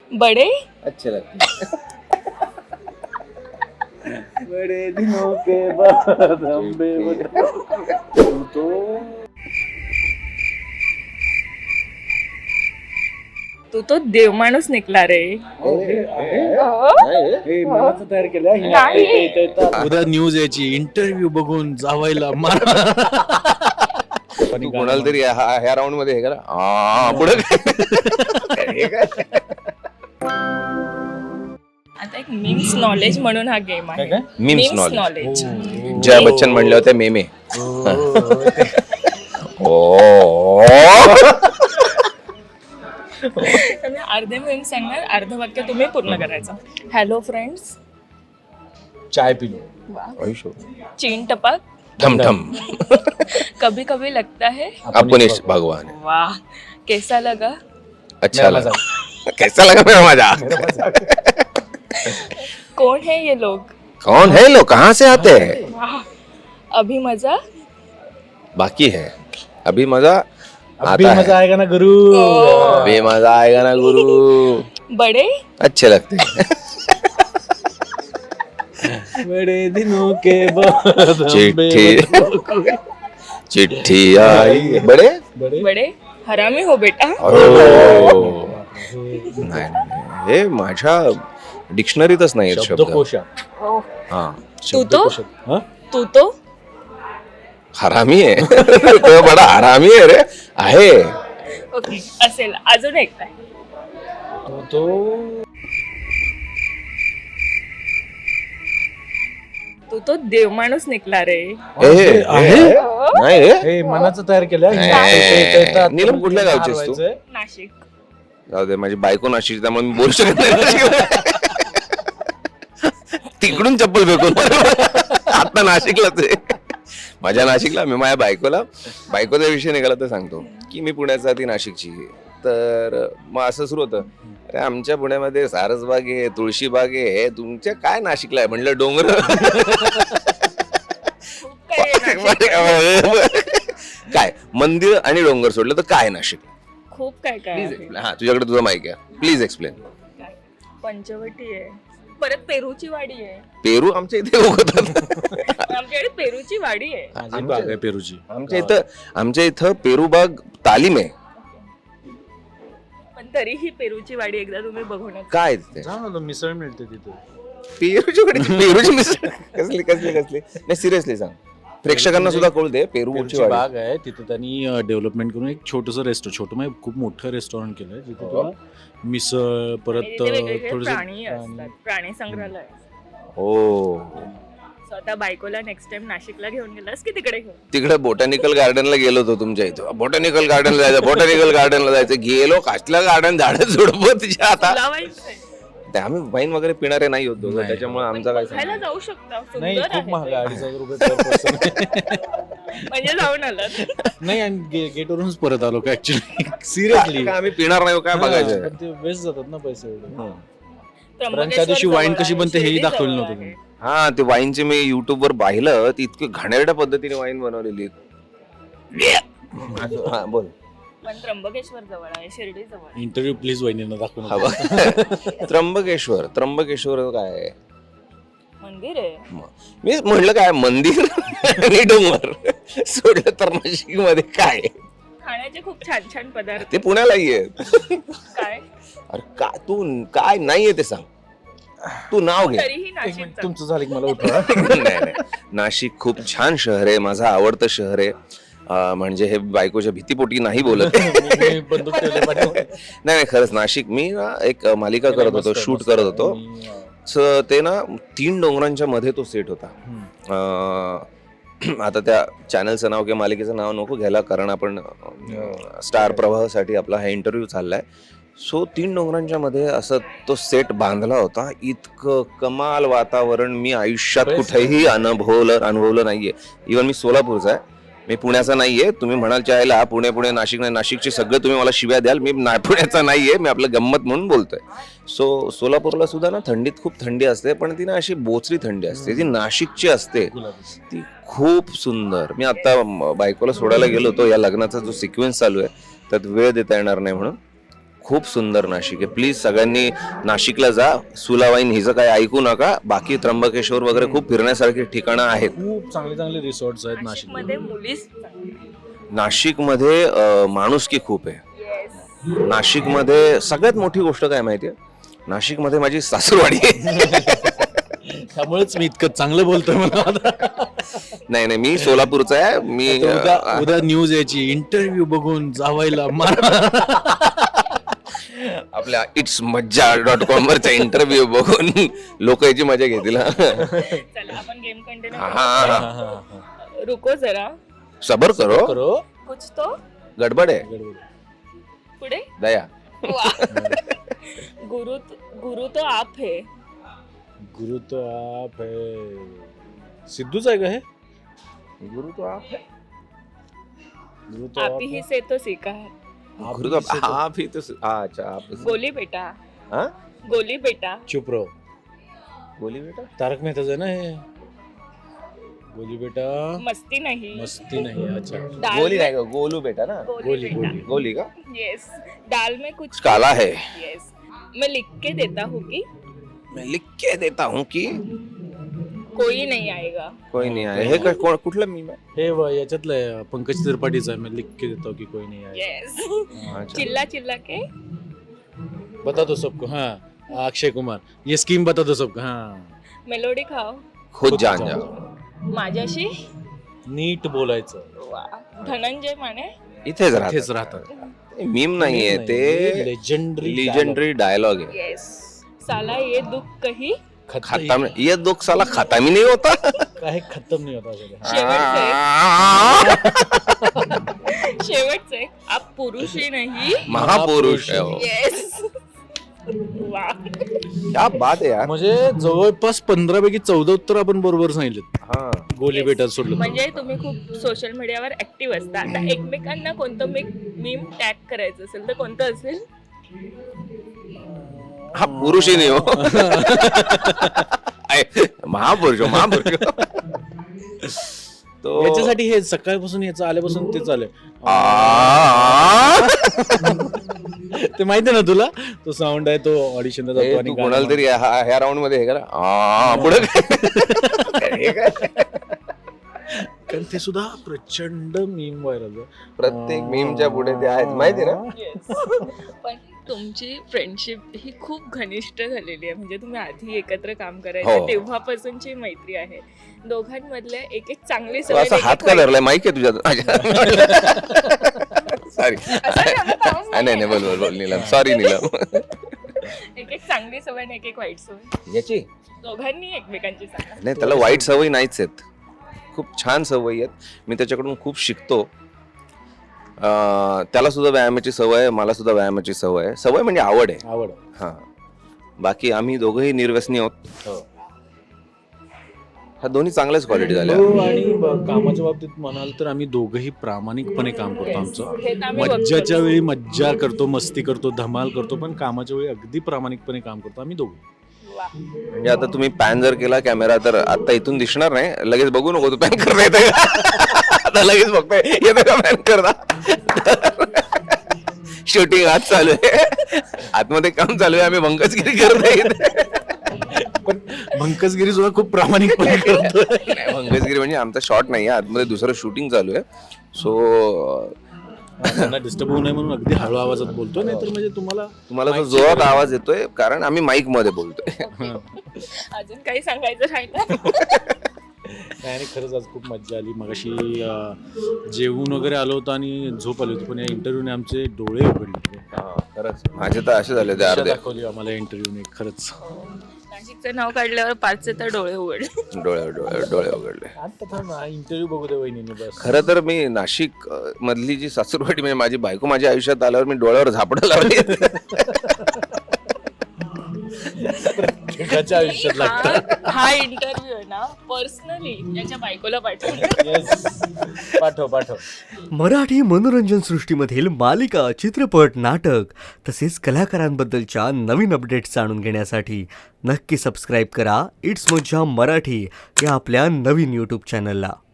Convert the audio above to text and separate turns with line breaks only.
बड़े
अच्छे लगते बड़े दिनों के बाद हम तू तो
तू तो देव माणूस निकला रे.
मनाचं तयार केलं
नाही.
उद्या न्यूज यायची इंटरव्ह्यू बघून जावायला मारा.
तू कोणाला तरी ह्या राऊंड मध्ये हे करा पुढे
आता एक मीम्स नॉलेज म्हणून हा गेम आहे.
Memes
memes
knowledge
knowledge.
Jaya Bachchan म्हणले होते मेमे
मी अर्धे मीम्स सांगणार, अर्ध वाक्य तुम्ही पूर्ण करायचं. Hello friends.
चाय पिलो.
चीन टपाक.
ठम ठम
कभी कभी लगता है.
अपनिश भगवान है.
वाह. कैसा लगा.
अच्छा लगा. कैसा लगा मेरा मजा.
कौन है ये लोग.
कौन है लोग कहाँ से आते हैं.
वाह. अभी मजा.
बाकी है अभी मजा
अभी
आता
मजा
है.
आएगा ना गुरु.
अभी मजा आएगा ना गुरु.
बड़े
अच्छे लगते हैं.
बड़े दिनों के बाद
चिट्ठी चिट्ठी आई. बड़े
बड़े हरामी हो बेटा.
नाही हे माझ्या डिक्शनरीतच नाही शब्द.
शब्दकोशात.
हा
तू तो
हा?
तू तो
हरामी आहे. तो बडा हरामी आहे रे. आहे
ओके असेल. अजून एक काय.
तो
तू तो देव माणूस निकला रे.
नाही रे.
हे मनाचं तयार केलं.
नीलम कुठल्या गावची आहेस तू.
नाशिक.
जाऊ दे माझी बायको नाशिक त्यामुळे मी बोलू शकत नाही. तिकडून चप्पल फेकून आता नाशिकलाच आहे. माझ्या नाशिकला मी माझ्या बायकोचा विषय निघाला तर सांगतो की मी पुण्याचा ती नाशिकची. तर मग असं सुरू होतं अरे आमच्या पुण्यामध्ये सारसबाग आहे तुळशीबाग आहे हे तुमच्या काय नाशिकला आहे म्हणलं डोंगर. काय मंदिर आणि डोंगर सोडलं तर काय नाशिक.
खूप काय काय आहे.
हा तुझ्याकडे तुझा माईक आहे प्लीज एक्सप्लेन.
काय? पंचवटी आहे. परत पेरूची वाडी आहे.
पेरू आमच्या इथे उगवतात.
आमच्याकडे पेरूची वाडी आहे.
माझी बाग आहे पेरूची.
आमच्या इथं पेरू बाग तालीम आहे.
पण तरीही पेरूची वाडी एकदा तुम्ही बघून
काय तिथे
जा ना, मिसळ मिळते तिथे.
पेरूची मिसळ कसली कसली कसली नाही सिरियसली सांग प्रेक्षकांना सुद्धा कळू दे.
पेरूची बाग आहे तिथे त्यांनी डेव्हलपमेंट करून एक छोटंसं छोटं म्हणजे खूप मोठं रेस्टॉरंट केलंय जिथे तुला मिसळ परत
प्राणी असतात. प्राणी संग्रहालय.
हो
स्वतः बायकोला नेक्स्ट टाइम नाशिकला घेऊन गेलास की तिकडे घेऊन.
तिकडे बोटॅनिकल गार्डनला गेलो होतो तुमच्या इथं. बोटॅनिकल गार्डनला जायचं गेलो कसलं गार्डन झाडं झुडपं तिच्या आता.
लावायचंय.
ते आम्ही वाईन वगैरे पिणारे नाही होतो
नाही.
त्याच्यामुळे आमचा काय
खायला जाऊ शकता.
नाही
सुंदर
खूप महाग
आहे
आहे. 2,500 रुपये per person.
म्हणजे जाऊन आलात.
नाही आणि गेटवरूनच परत आलो का ऍक्च्युली सिरियसली.
काय आम्ही पिणार नाही काय बघायचं.
ते वेस्ट जातात ना पैसे एवढे.
त्र्यंबकेश्वर
त्या दिवशी वाईन
जवळ
कशी
आहे,
बनते हेही
शिर्डी
दाखवलं
जवळ
नव्हतं
आहे.
तुम्ही.
हा ते वाईनचे मी युट्यूब वर पाहिलं ती इतकी घाणेरड्या पद्धतीने वाईन बनवलेली. हा बोल.
पण त्र्यंबकेश्वर जवळ आहे, शिर्डी जवळ आहे.
इंटरव्ह्यू प्लीज वहिनींना दाखवून.
हा बघ. त्र्यंबकेश्वर काय आहे.
मंदिर आहे.
मी म्हणलं काय मंदिर आणि डोंगर सोडलं तर नाशिक मध्ये काय
खाण्याचे खूप छान छान पदार्थ.
ते पुण्यालाही आहे.
काय
अरे का तू काय नाहीये ते सांग. तू नाव घे.
तरीही नाशिकचं.
तुमचं झालं की मला उठवा.
नाही नाशिक खूप छान शहर आहे. माझं आवडतं शहर आहे. म्हणजे हे बायकोच्या भीतीपोटी नाही बोलत.
मी बंदूक ठेवले पाठीमागे.
नाही खरंच नाशिक मी ना एक मालिका करत होतो शूट करत होतो. ते ना 3 डोंगरांच्या मध्ये तो सेट होता. आता त्या चॅनलचं नाव किंवा मालिकेचं नाव नको घ्यायला कारण आपण स्टार प्रवाहासाठी आपला हा इंटरव्ह्यू चाललाय. सो 3 डोंगरांच्या मध्ये असं तो सेट बांधला होता. इतकं कमाल वातावरण मी आयुष्यात कुठेही अनुभवलं नाहीये. इव्हन मी सोलापूरचा आहे. मी पुण्याचा नाहीये. तुम्ही म्हणाल चायला पुणे नाशिक नाही. नाशिकचे सगळे तुम्ही मला शिव्या द्याल. मी पुण्याचा नाहीये. मी आपलं गंमत म्हणून बोलतोय. सो सोलापूरला सुद्धा ना थंडीत खूप थंडी असते पण ती ना अशी बोचरी थंडी असते. ती नाशिकची असते ती खूप सुंदर. मी आता बायकोला सोडायला गेलो होतो. या लग्नाचा जो सिक्वेन्स चालू आहे त्यात वेळ देता येणार नाही म्हणून खूप सुंदर नाशिक आहे. प्लीज सगळ्यांनी नाशिकला जा. सुलावाईन हिचं काही ऐकू नका. बाकी त्र्यंबकेश्वर वगैरे खूप फिरण्यासारखी ठिकाणं आहेत.
खूप चांगले चांगले रिसॉर्ट्स आहेत नाशिक.
मध्ये मुलीच
नाशिकमध्ये माणुसकी खूप आहे. नाशिकमध्ये सगळ्यात मोठी गोष्ट काय माहितीये, नाशिकमध्ये माझी सासूरवाडी आहे.
त्यामुळेच मी इतकं चांगलं बोलतोय मला आता.
नाही मी सोलापूरचा आहे. मी
उद्या न्यूज यायची, इंटरव्ह्यू बघून जावायला मारा.
आपल्या इट्स मज्जा.com वरचा इंटरव्ह्यू बघून लोक याची मजा घेतील.
चला आपण गेम कंटिन्यू
हा
रुको जरा,
सबर करो,
करो
कुछ तो
गडबड आहे.
पुढे
दया.
गुरु तो आप है.
गुरु तो आप है. सिद्धूच आहे का हे?
गुरु तो आप है.
गुरु तो
आप ही से तो सीखा है.
गुरु तो आप ही तो अच्छा आप.
गोली बेटा.
हाँ
गोली बेटा.
चुप रहो.
गोली बेटा
तारक मेहताच आहे ना हे. गोली बेटा
मस्ती नहीं.
मस्ती नहीं. अच्छा
दाल
गोली
में-
नाही का, गोलू बेटा ना.
गोली बेटा.
गोली का
यस. दाल में कुछ
काला है.
यस. मैं लिख के देता हूँ कि
मैं लिख के देता हूँ की
कोई नहीं आएगा.
कोई नाही आहे. हे कुठलं मी
हे याच्यातलं आहे, पंकज त्रिपाठीचं आहे. मैं लिख के देता हूँ कि कोई नहीं आएगा.
यस. चिल्ला चिल्ला के
बता दो सबको. हाँ अक्षय कुमार. ये स्कीम बता दो सबको. हाँ
मेलोडी खाओ.
खुद जान जाओ.
माझ्याशी
नीट बोलायचं.
वा. धनंजय माने.
इथेच
इथेच राहतात.
मीम नाहीये ते, लिजेंडरी डायलॉग आहे.
यस. साला ये दुख कही
खत्म ये दुख साला खत्म ही नहीं होता.
काही खत्म नाही होता सगळं.
शेवटचे आप पुरुष ही नाही
महापुरुष आहे हो.
येस. वा.
क्या बात आहे यार.
म्हणजे जवळपास 15 पैकी 14 उत्तर आपण बरोबर सांगितलेत.
हा
गोली बेटा सोडलं.
म्हणजे तुम्ही खूप सोशल मीडियावर ऍक्टिव्ह असता. आता एकमेकांना कोणतं मीम टॅग करायचं असेल तर कोणतं असेल?
हा पुरुष ही नाही हो. महापुरुष महापुरुष. तो
याच्यासाठी हे सकाळपासून याचं आल्यापासून ते चालू ते माहिती ना तुला. तो साऊंड आहे, तो ऑडिशनला जातो आणि
कोणाला तरी ह्या राऊंड मध्ये हे करा पुढे हे काय.
कारण ते सुद्धा प्रचंड मीम व्हायरल.
प्रत्येक मीमच्या पुढे ते आहेत माहिती ना.
पण तुमची फ्रेंडशिप ही खूप घनिष्ठ झालेली आहे. म्हणजे तुम्ही आधी एकत्र काम
हो.
करायचे तेव्हापासूनची मैत्री आहे. दोघांमधल्या एक एक चांगली
तो
सवय
असा हात का धरलाय, माहिती आहे तुझ्या. सॉरी नाही बोल नीलम. सॉरी नीलम.
एक एक चांगली सवय आणि एक एक वाईट सवय
याची
दोघांनी एकमेकांची सांगा.
नाही, त्याला वाईट सवयी नाहीच आहेत. खूप छान सवयी आहेत. मी त्याच्याकडून खूप शिकतो. त्याला सुद्धा व्यायामाची सवय आहे, मला सुद्धा व्यायामाची सवय आहे. सवय म्हणजे आवड आहे.
आवड.
हा बाकी आम्ही दोघंही निर्व्यसनी आहोत.
हो.
हा दोन्ही चांगल्याच क्वालिटी झाल्या.
आणि कामाच्या बाबतीत म्हणाल तर आम्ही दोघंही प्रामाणिकपणे काम करतो. आमचं
हे तर आम्ही
मज्जाच्या
बघतो.
वेळी मज्जा करतो, मस्ती करतो, धमाल करतो, पण कामाच्या वेळी अगदी प्रामाणिकपणे काम करतो आम्ही दोघं.
वा.
म्हणजे आता तुम्ही पॅन जर केला कॅमेरा तर आता इथून दिसणार नाही. लगेच बघू नको तू पॅन करता येतं का. आता लगेच बघतोय येतं का पॅन करता. शूटिंग आज चालू आहे, आतमध्ये काम चालू आहे. आम्ही भंकसगिरी करतोय.
पण भंकसगिरी सुद्धा खूप प्रामाणिकपणे करतो.
भंकसगिरी म्हणजे आमचा शॉट नाही आहे, आतमध्ये दुसरं शूटिंग चालू आहे. सो
त्यांना डिस्टर्ब होऊ नये म्हणून अगदी हळू आवाजात बोलतो. नाही तर म्हणजे
तुम्हाला जो जोरात आवाज येतोय कारण आम्ही माईक मध्ये बोलतोय.
अजून काही सांगायचं राहिलं?
नाही, आणि खरंच आज खूप मज्जा आली. मगाशी जेवून वगैरे आलो होतो आणि झोप आली होती, पण या इंटरव्ह्यूने आमचे डोळे उघडले.
खरंच माझे तर असे झाले ते
आशा
अर्धे
दाखवली आम्हाला इंटरव्ह्यूने. खरंच
नाशिकचं नाव काढल्यावर पाचचे तर डोळे उघडले.
डोळे उघडले.
आता थांब, इंटरव्ह्यू बघू दे वहिनीने बस.
खरं तर मी नाशिक मधली जी सासूरवाडी म्हणजे माझी बायको माझ्या आयुष्यात आल्यावर मी डोळ्यावर झापडं लावली.
एकाच्या आयुष्यात लागतं.
हा इंटरव्ह्यू आहे ना पर्सनली याच्या बायकोला पाठवला.
पाठव.
मराठी मनोरंजन सृष्टीमधील मालिका, चित्रपट, नाटक तसेच कलाकारांबद्दलच्या नवीन अपडेट्स जाणून घेण्यासाठी नक्की सबस्क्राईब करा इट्स मज्जा मराठी या आपल्या नवीन यूट्यूब चॅनलला.